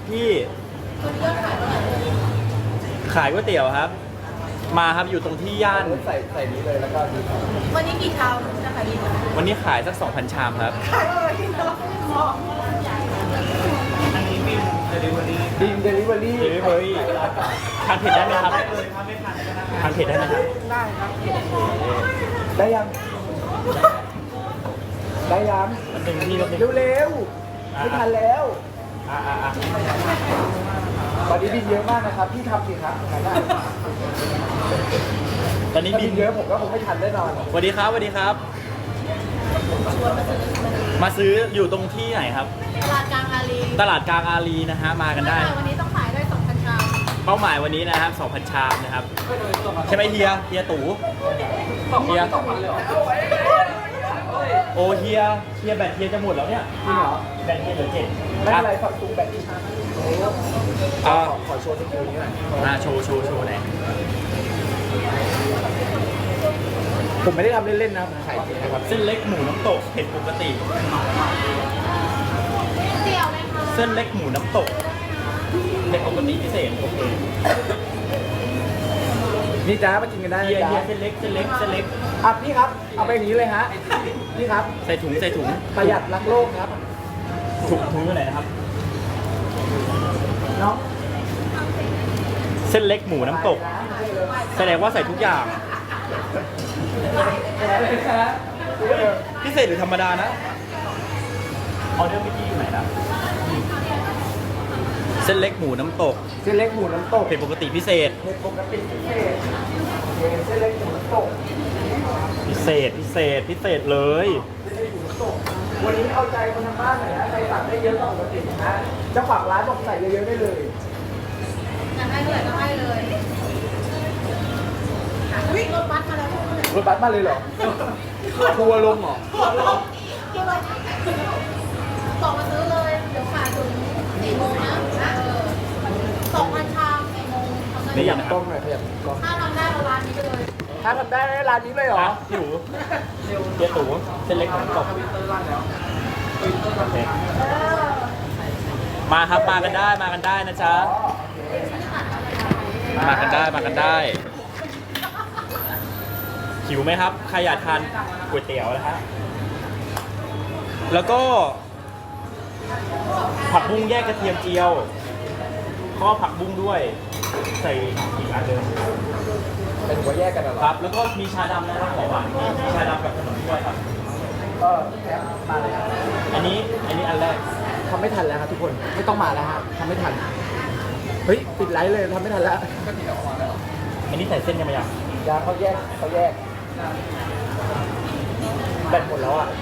พี่ขายก๋วยเตี๋ยวครับ มาครับอยู่ตรงที่ย่านใส่นี้เลยแล้วก็วันนี้กี่ชามนะคะดีวันนี้ขายสัก 2,000 ชามครับขายอะไรที่เรามองดีมเดลิเวอรี่เฮ้ยเฮ้ยทานเผ็ดได้ไหมครับทานเผ็ดได้ไหมครับได้ครับได้ยังได้ยังมันเป็นที่รถเมล์เร็วๆไม่ทันแล้วอ่ะตอนนี้บินเยอะมากนะครับพี่ทำสิครับทำได้ตอนนี้ถ้าบิบินนเยอะผมก็คงไม่ทันแน่นอนสวัสดีครับสวัสดีครับ มาซื้ออยู่ตรงที่ไหนครับตลาดกลางอารีตลาดกลางอารีนะฮะ มากันได้วันนี้ต้องขายได้2,000ชามเป้าหมายวันนี้นะครับ 2,000 ชามนะครับ ใช่ไหมเฮียตู่เฮียโอเฮียแบตเฮียจะหมดแล้วเนี่ยจริงเหรอแบตเฮียเหลือ7 ไม่เป็นไรฝักตุงแบบนี้ขอโชว์สกิลนี้หน่อยโชว์ไหนอยผมไม่ได้ทำเล่นๆนะผมขายจริงนะครับเส้นเล็กหมูน้ำตกเผ็ดปกติเตี๋ยวเลยค่ะเส้นเล็กหมูน้ำตกเผ็ดปกติพิเศษโอเคนี่จ้ามากินกันได้เฮีนะยจ๊ะเส้นเล็กอ่ะพี่ครับเอาไปอย่างนี้เลยฮะพี่ครับใส่ถุงประหยัดรักโลกครับถุงอยู่ไหนนะครับน้องเส้นเล็กหมูน้ำตก แสดงว่าใส่ทุกอย่าง พิเศษหรือธรรมดานะออเดอร์เมื่อกี้อยู่ไหนนะเส้นเล็กหมูน้ำตกเส้นเล็กหมูน้ำตกเผ็ดปกติพิเศษเผ็ดปกติพิเศษเส้นเล็กหมูน้ำตกพิเศษเลยวันนี้เอาใจคนทางบ้านหน่อยนะใครสั่งได้เยอะกว่าปกตินะเจ้าของร้านบอกใส่เยอะๆได้เลยอยากให้เท่าไหร่ก็ให้เลยวิ่งรถบัสมาแล้วรถบัสมาเลยเหรอทัวร์ลงเหรอบอกมาซื้อเลย เดี๋ยวขายถึง4 โมงนะ2,000ชาม4 โมงทำไม่ได้อยากกล้องหน่อยขยับกล้องถ้าทำได้เราร้านนี้ไปเลยถ้าทำได้ร้านนี้เลยเหรอพี่หนูเฮียตู่เส้นเล็กหมูน้ำตกโอเคมาครับมากันได้นะจ๊ะ มากันได้หิวไหมครับใครอยากทานก๋วยเตี๋ยวนะฮะแล้วก็ผักบุ้งแยกกระเทียมเจียวข้อผักบุ้งด้วยใส่อีกอันเดิมเป็นหัวแยกกันเหรอครับ แล้วก็มีชาดำนะครับของหวานมีชาดำกับขนมด้วยครับแถมมาเลยครับอันนี้อันแรกทำไม่ทันแล้วครับทุกคนไม่ต้องมาแล้วฮะทำไม่ทันเฮ้ยปิดไลฟ์เลยทำไม่ทันแล้วอันนี้ใส่เส้นยังไงยังยาเขาแยกแบตหมดแล้วอ่ะ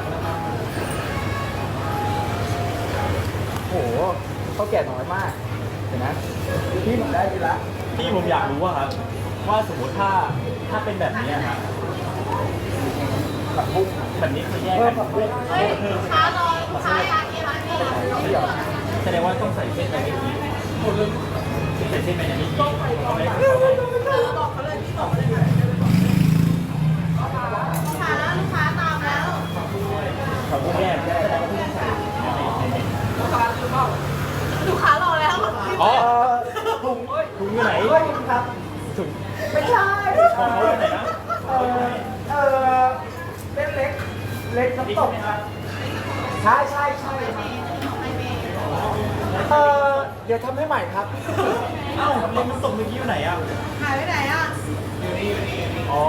โหเขาแก่น้อยมากเห็นไหมพี่ผมได้ดีละที่ผมอยากรู้ว่าครับว่าสมมติถ้าเป็นแบบนี้ครับผักบุ้งแบบนี้คือแยกเพิ่กัมนผักบุ้งเฮ้ยลูกค้ารอลูกค้าอยากกินร้านนี้นี่เหรอแสดงว่าต้องใส่เส้นไปในนี้ใส่เส้นไปในนี้บอกเขาเลยพี่บอกเลยลูกค้าตามแล้วผักบุ้งแยกแสดงว่าต้องใส่ในนี้ลูกค้ารอแล้วอ๋อถุงถุงอยู่ไหนเฮ้ยครับถุงไม่ใช่ของเขาอยู่ไหนนะเออเล็กเล็กน้ำตกใช่เดี๋ยวทำให้ใหม่ครับเอ้าเล็กน้ำตกเมื่อกี้อยู่ไหนอ่ะหายไปไหนอ่ะอ๋อ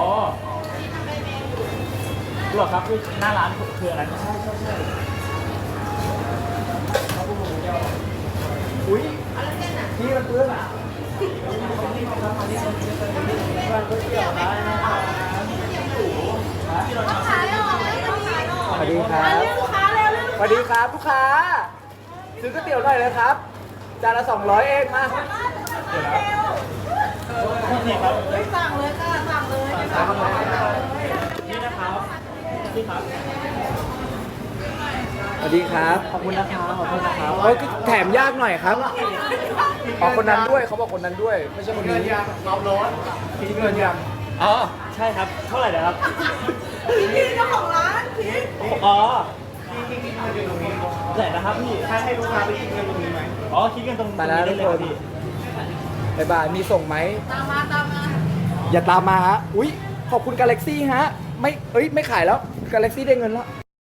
หรอครับคือหน้าร้านคืออะไรอุ้ยอะไรเส้นอ่ะที่มันเปื้อนอ่ะลูกค้าแล้วสวัสดีครับเรียกลูกค้าเร็วเรียกสวัสดีครับลูกค้า ซื้อก๋วยเตี๋ยวหน่อยเลยครับ จานละ200เองมานี่ครับไม่สั่งเลยค่ะสั่งเลยนี่นะครับนี่ครับสวัสดีครับขอบคุณนะครับขอบคุณนะครับเอ้ยแถมยากหน่อยครับอ๋อคนนั้นด้วยเขาบอกคนนั้นด้วย ไม่ใช่คนนี้ความร้อนทิ้งเงินยังอ๋อใช่ครับเท่าไหร่นะครับพี่เจ้าของร้านพี่อ๋อไหนนะครับพี่ให้ลูกค้าไปกินเงินตรงนี้ไหมอ๋อคิดกันตรงไปแล้วนี้ได้เลยทุกคนพี่บ๊ายบายมีส่งไหมตามมาตามมาอย่าตามมาฮะ อุ๊ย ขอบคุณกาแล็กซี่ฮะ ไม่ เอ้ย ไม่ขายแล้ว กาแล็กซี่ได้เงินแล้ว